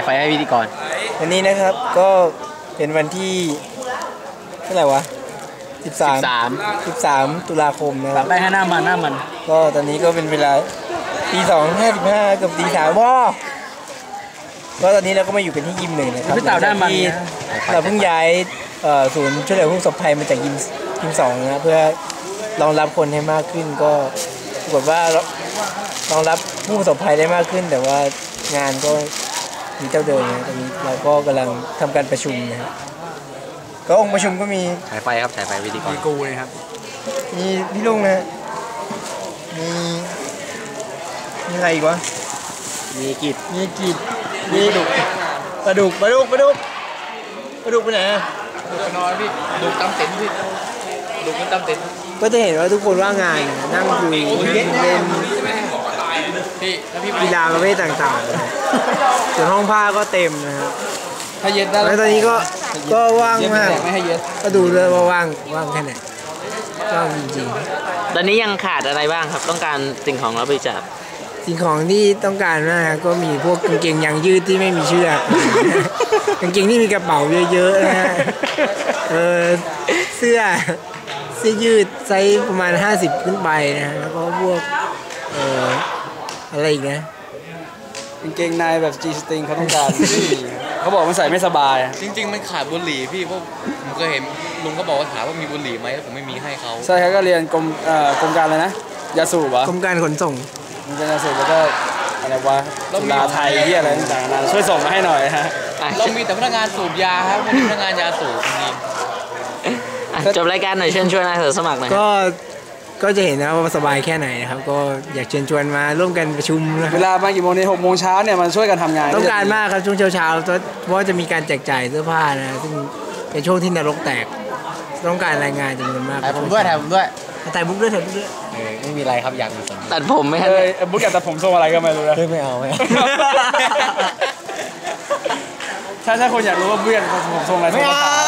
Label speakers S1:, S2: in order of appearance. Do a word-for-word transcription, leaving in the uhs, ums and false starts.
S1: ฟให้พิธีกร
S2: วันนี้นะครับก็เป็นวันที่เท่าไหร่วะสิบสาม สิบสามตุลาคมนะครับ
S1: ไปให้หน้ามันหน้ามัน
S2: ก็ตอนนี้ก็เป็นเวลาตีสองห้าสิบห้ากับตีสามพ่อก็ตอนนี้เราก็มาอยู่กันที่ยิมหนึ่งนะครับ
S1: พี่เต่าหน้ามัน
S2: เราเพิ่งย้ายศูนย์ช่วยเหลือผู้ประสบภัยมาจากยิมยิมสองนะเพื่อรองรับคนให้มากขึ้นก็ปรากฏว่ารองรับผู้ประสบภัยได้มากขึ้นแต่ว่างานก็มีเจ้าเดิมนะตอนนี้เราก็กำลังทำการประชุมนะครับก็องค์ประชุมก็มี
S1: ฉายไฟครับฉายไฟวิธีกร
S2: มีกูเลยครับมีพี่ลุงนะมีมีอะไรอีกวะ
S1: มีกิจ
S2: มีกิจมีดุปลาดุกปลาดุกปลาดุกปลาดุกไปไหนอะ
S1: ดุกนอนพี่ดุกตำเต็นพี่ดุกมันตำเต็น
S2: ก็จะเห็นว่าทุกคนว่างงานนั่งคุยเล่นกีฬาประเภทต่างๆส่วนห้องผ้าก็เต็มนะครับ
S1: ถ้าเย็นได้
S2: แล้วตอนนี้ก็ก็ว่างมากก็ดูเลยว่าว่างว่างแค่ไหนว่างจริง
S1: ๆตอนนี้ยังขาดอะไรบ้างครับต้องการสิ่งของรับบริจาค
S2: สิ่งของที่ต้องการมากก็มีพวกกางเกงยางยืดที่ไม่มีเชือกกางเกงที่มีกระเป๋าเยอะๆนะฮะเออเสื้อเสื้อยืดไซส์ประมาณห้าสิบขึ้นไปนะแล้วก็พวกเอ่ออะไรอีกนะ
S3: กางเกงในแบบจีสตริงเขาต้องการเขาบอกมันใส่ไม่สบาย
S4: จริงๆมันขาดบุหรี่พี่เพราะผมเคยเห็นลุงก็บอกว่าถามว่ามีบุหรี่ไหมผมไม่มีให้เขา
S3: ใช่ครับก็เรียนกรมเอ่อกรมการอะไรนะยาสูบวะ
S2: กรมการขนส่ง
S3: กรมการยาสูบแล้วก็อะไรวะสุราไทยที่อะไรต่างๆนะช่วยส่งมาให้หน่อยฮะ
S4: เรามีแต่พนักงานสูบยาครับไม่มีพนักงานยาสูบจริง
S1: จบรายการหน่อยเชิญชวนนายสมัครหน่อย
S2: ก็ก็จะเห็นนะว่าสบายแค่ไหนนะครับก็อยากเชิญชวนมาร่วมกันประชุมนะ
S3: เวลามากี่โมงในหกโมงเช้าเนี่ยมันช่วยกันทำงาน
S2: ต้องการมากครับช่วงเช้าๆเพราะว่าจะมีการแจกจ่ายเสื้อผ้านะซึ่งเป็นช่วงที่นรกแตกต้องการรายงานจำนวนมาก
S1: ถ่ายผมด้วยถ่ายผมด้วย
S2: ถ่ายบุ๊กด้วยถ่ายบุ๊กด้วย
S1: ไม่มีอะไรครับอยากมีตัดผมไหม
S3: ครับบุ๊กอยากตัดผมทรงอะไรก็ไม่รู้นะ
S2: ไม่เอาไม่เอา
S3: ถ้าถ้าคนอยากรู้ว่าบุ๊กอยากตัดผมทรงอะไร
S2: ไม่เอา